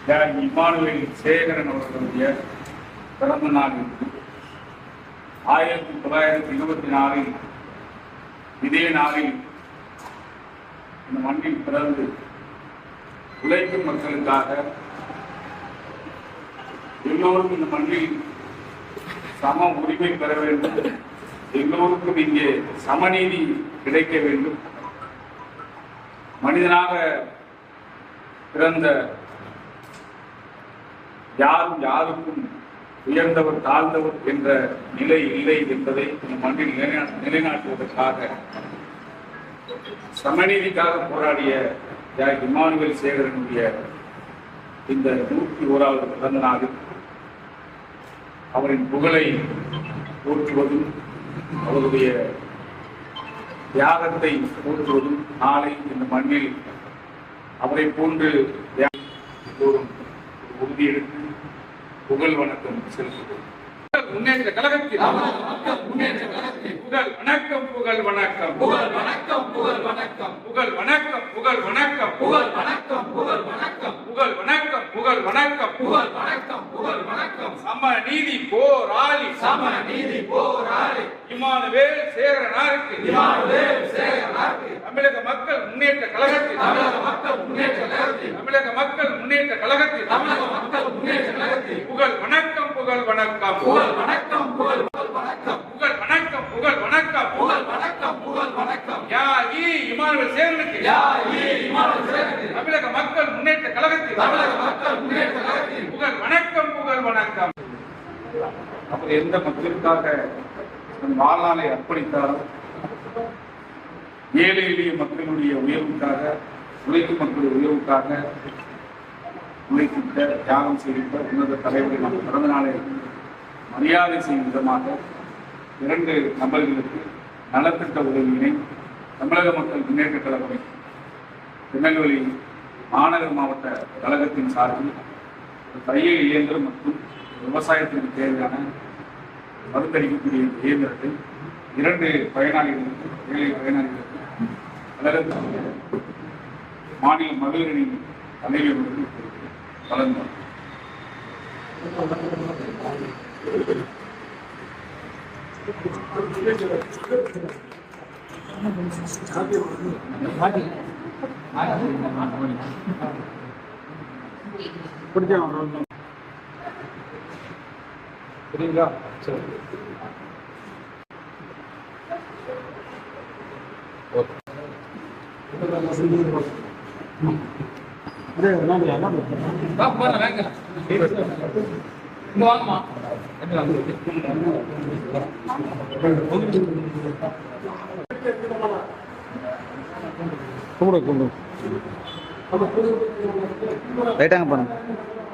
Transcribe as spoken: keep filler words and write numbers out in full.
தியாகி இமானுவேல் சேகரன் அவர்களுடைய பிறந்த நாளில் ஆயிரத்தி தொள்ளாயிரத்தி இருபத்தி நாலில் இதே நாளில் இந்த மண்ணில் பிறந்து உழைக்கும் மக்களுக்காக எல்லோரும் இந்த மண்ணில் சம உரிமை பெற வேண்டும், எல்லோருக்கும் இங்கே சமநீதி கிடைக்க வேண்டும், மனிதனாக பிறந்த யாரும் யாருக்கும் உயர்ந்தவர் தாழ்ந்தவர் என்ற நிலை இல்லை என்பதை இந்த மண்ணில் நிலைநாட்டுவதற்காக சமநீதிக்காக போராடிய தியாகி இமானுவேல் சேகரனுடைய இந்த நூற்றி ஓராவது பிறந்த நாளில் அவரின் புகழை போற்றுவதும் அவருடைய தியாகத்தை போற்றுவதும் நாளை இந்த மண்ணில் அவரை போன்று உறுதியெடுத்து புகழ் வணக்கம் செலுத்துவோம். முன்னேற்ற கழகத்தில் புகழ் வணக்கம் புகழ் வணக்கம் புகழ் வணக்கம் புகழ் வணக்கம் புகழ் வணக்கம் புகழ் வணக்கம் புகழ் வணக்கம் புகழ் வணக்கம் புகழ் வணக்கம் புகழ் வணக்கம் புகழ் வணக்கம் புகழ் வணக்கம் சம நீதி போராளி சம நீதி போராளி இமானுவேல் சேகரனாருக்கு இமானுவேல் சேகரனாருக்கு தமிழக மக்கள் முன்னேற்ற கழகத்தில் தமிழக மக்கள் முன்னேற்ற கழகத்தில் தமிழக மக்கள் முன்னேற்ற கழகத்தில் தமிழக மக்கள் முன்னேற்ற கழகத்தில் புகழ் வணக்கம் புகழ் வணக்கம் புகழ் வணக்கம் புகழ் வணக்கம் புகழ் வணக்கம் புகழ் வணக்கம் புகழ் வணக்கம் புகழ் வணக்கம் தியாகி இமானுவேல் சேகரனுக்கு தியாகி இமானுவேல் சேகரனுக்கு தமிழக மக்கள் முன்னேற்ற கழகத்தில் தமிழக மக்கள் முன்னேற்ற கழகத்தில் புகழ் வணக்கம் புகழ் வணக்கம். அவர் எந்த மக்களுக்காக வாழ்நாளை அர்ப்பணித்தாரோ, ஏழை எளிய மக்களுடைய உயர்வுக்காக, உழைக்கும் மக்களுடைய உயர்வுக்காக உழைத்திட்ட தியாகம் செய்கின்ற உன்னத தலைவரை நம்ம பிறந்த நாளை மரியாதை செய்யும் விதமாக இரண்டு நபர்களுக்கு நலத்திட்ட உதவியினை தமிழக மக்கள் முன்னேற்ற கழகம் திருநெல்வேலி மாநகர மாவட்ட கழகத்தின் சார்பில் தையல் இயந்திரம் மற்றும் விவசாயத்திற்கு தேவையான மருந்தளிக்கக்கூடிய இயந்திரத்தை இரண்டு பயனாளிகளுக்கு ஏழை பயனாளிகளுக்கு கழக மாநில மகளிரணி தலைவர்களுக்கு வழங்குவார். சரிங்களா? சரி. லைட்டாங்க பாருங்க.